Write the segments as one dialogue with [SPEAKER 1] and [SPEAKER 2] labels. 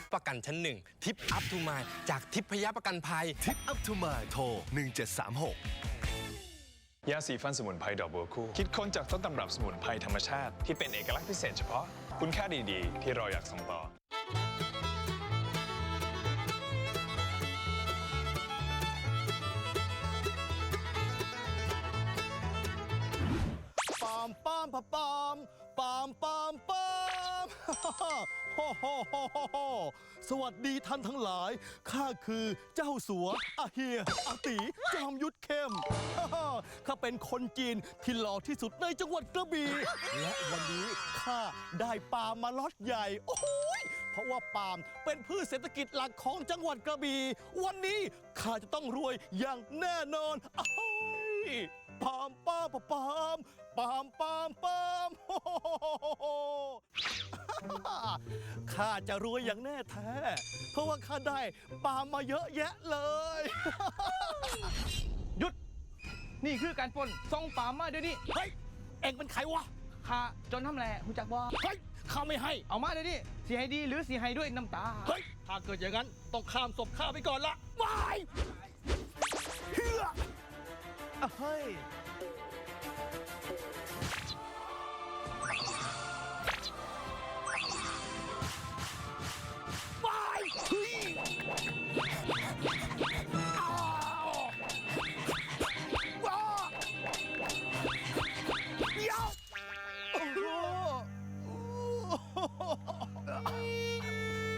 [SPEAKER 1] ประกันชั้นหนึ่งทิปอัพทูมายจากทิพยประกันภัย
[SPEAKER 2] ทิปอัพทูมายโทร 1736
[SPEAKER 3] ยาสีฟันสมุนไพรดอกบัวคู่คิดค้นจากต้นตำรับสมุนไพรธรรมชาติที่เป็นเอกลักษณ์พิเศษเฉพาะคุณค่าดีๆที่เราอยากส่งต่อ
[SPEAKER 4] ปามปามปามปามปามปามโฮโฮโฮโฮสวัสดีท่านทั้งหลายข้าคือเจ้าสัวอาเฮียอาตีจอมยุทธเข้มข้าเป็นคนจีนที่หล่อที่สุดในจังหวัดกระบี่และวันนี้ข้าได้ปาล์มมาล็อตใหญ่โอ้ยเพราะว่าปาล์มเป็นพืชเศรษฐกิจหลักของจังหวัดกระบี่วันนี้ข้าจะต้องรวยอย่างแน่นอนปามปามปามปามปามปามข้าจะรวยอย่างแน่แท้เพราะว่าข้าได้ปามมาเยอะแยะเลย
[SPEAKER 5] หยุดนี่คือการปล้นส่งปามมาเดี๋ยวนี้
[SPEAKER 4] เฮ้ยเอ็งเป็นใครวะ
[SPEAKER 5] ข้าจนทำแหล่หูจักบ่
[SPEAKER 4] เฮ้ยข้าไม่ให้
[SPEAKER 5] เอามาเดี๋ยวนี้สีให้ดีหรือสีให้ด้วยน้ำตา
[SPEAKER 4] เฮ้ยถ้าเกิดอย่างนั้นต้องข้ามศพข้าไปก่อนละวายเฮือเฮ้ยเฮ้ยอ้าวว้าเดี๋ยวโอ้โห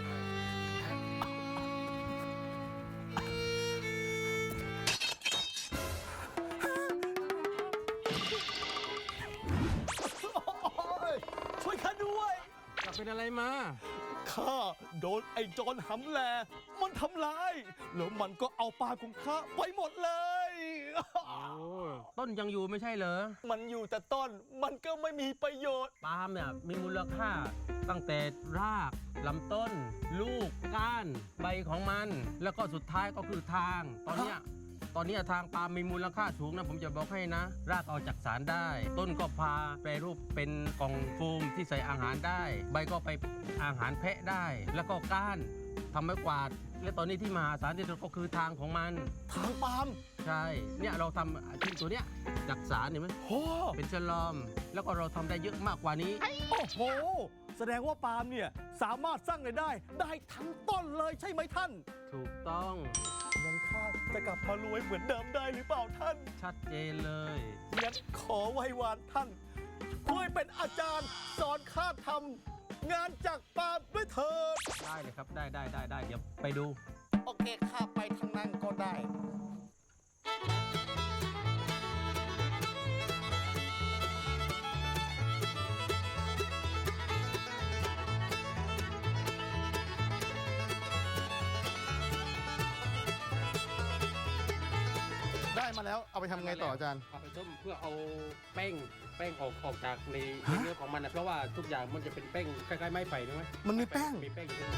[SPEAKER 4] ช่วยข้าด้วย
[SPEAKER 6] จะเป็นอะไรมา
[SPEAKER 4] ข้าโดนไอ้โจรหำแลมันทำร้ายแล้วมันก็เอาปลาของข้าไปหมดเลย
[SPEAKER 6] โอ้ต้นยังอยู่ไม่ใช่เหรอ
[SPEAKER 4] มันอยู่แต่ต้นมันก็ไม่มีประโยชน์
[SPEAKER 6] ปาล์มเนี่ยมีมูลค่าตั้งแต่รากลำต้น ลูกก้านใบของมัน แล้วก็สุดท้ายก็คือทาง ตอนเนี้ยทางปาล์มมีมูลค่าสูงนะผมจะบอกให้นะ รากเอาจากสารได้ ต้นก็พาแปรรูปเป็นกล่องโฟมที่ใส่อาหารได้ ใบก็ไปอาหารแพะได้ แล้วก็ก้านทำไม้กวาด และตอนนี้ที่มหาศาลที่สุดก็คือทางของมัน
[SPEAKER 4] ทางปาล์ม
[SPEAKER 6] ใช่ เนี่ยเราทำชิ้นตัวเนี้ยจากสารเห็นไหม
[SPEAKER 4] โอ้
[SPEAKER 6] เป็นฉลอม แล้วก็เราทำได้เยอะมากกว่านี้
[SPEAKER 4] โอ้โหแสดงว่าปาล์มเนี่ยสามารถสร้างรายได้ทั้งต้นเลยใช่ไหมท่าน
[SPEAKER 6] ถูกต้อง
[SPEAKER 4] งั้นข้าจะกลับมารวยเหมือนเดิมได้หรือเปล่าท่าน
[SPEAKER 6] ชัดเจนเลย
[SPEAKER 4] งั้นขอไหว้วานท่านช่วยเป็นอาจารย์สอนข้าทำงานจากปาล์มด้วยเถิด
[SPEAKER 6] ได้เลยครับ ได้ เดี๋ยวไปดู
[SPEAKER 4] โอเคข้าไปทางนั้นก็ได้ได้มาแล้วเอาไปทำไงต่ออาจารย์
[SPEAKER 6] เอาไปต้มเพื่อเอาแป้งออกจากในเนื้อของมันนะเพราะว่าทุกอย่างมันจะเป็นแป้งคล้ายๆไม้ไผ่ใช่ไหม
[SPEAKER 4] มันมีแป้ง
[SPEAKER 6] มีแป้งอยู่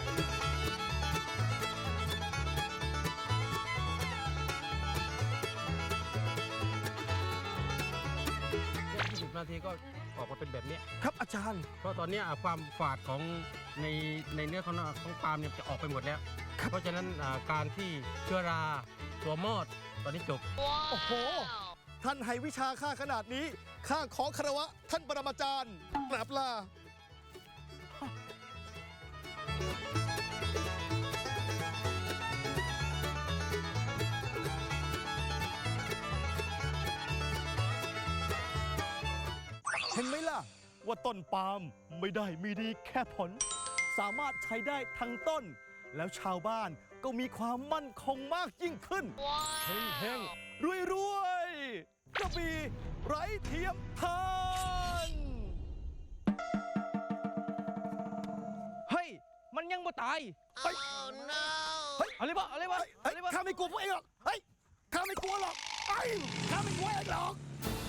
[SPEAKER 6] 20 นาทีก็ออกมาเป็นแบบนี้
[SPEAKER 4] ครับอาจารย์
[SPEAKER 6] เพราะตอนนี้ความฝาดของในเนื้อของปาล์มเนี่ยจะออกไปหมดแล้ว เพราะฉะนั้นการที่เชื้อราตัวมอดตอนนี้จบ
[SPEAKER 4] โอ้โห ท่านให้วิชาข้าขนาดนี้ ข้าขอคารวะท่านปรมาจารย์กราบลาเห็นไหมล่ะ ว่าต้นปาล์มไม่ได้มีดีแค่ผล สามารถใช้ได้ทั้งต้น แล้วชาวบ้านก็มีความมั่นคงมากยิ่งขึ้นเฮงรวยกระบี่ไร้เทียมทาน
[SPEAKER 5] เฮ้ยมันยังบ่ตาย
[SPEAKER 4] เฮ้ย
[SPEAKER 5] เอาเลยบ่
[SPEAKER 4] ข้าไม่กลัวพวกเองหรอก เฮ้ย ข้าไม่กลัวหรอกข้าไม่กลัวเองหรอก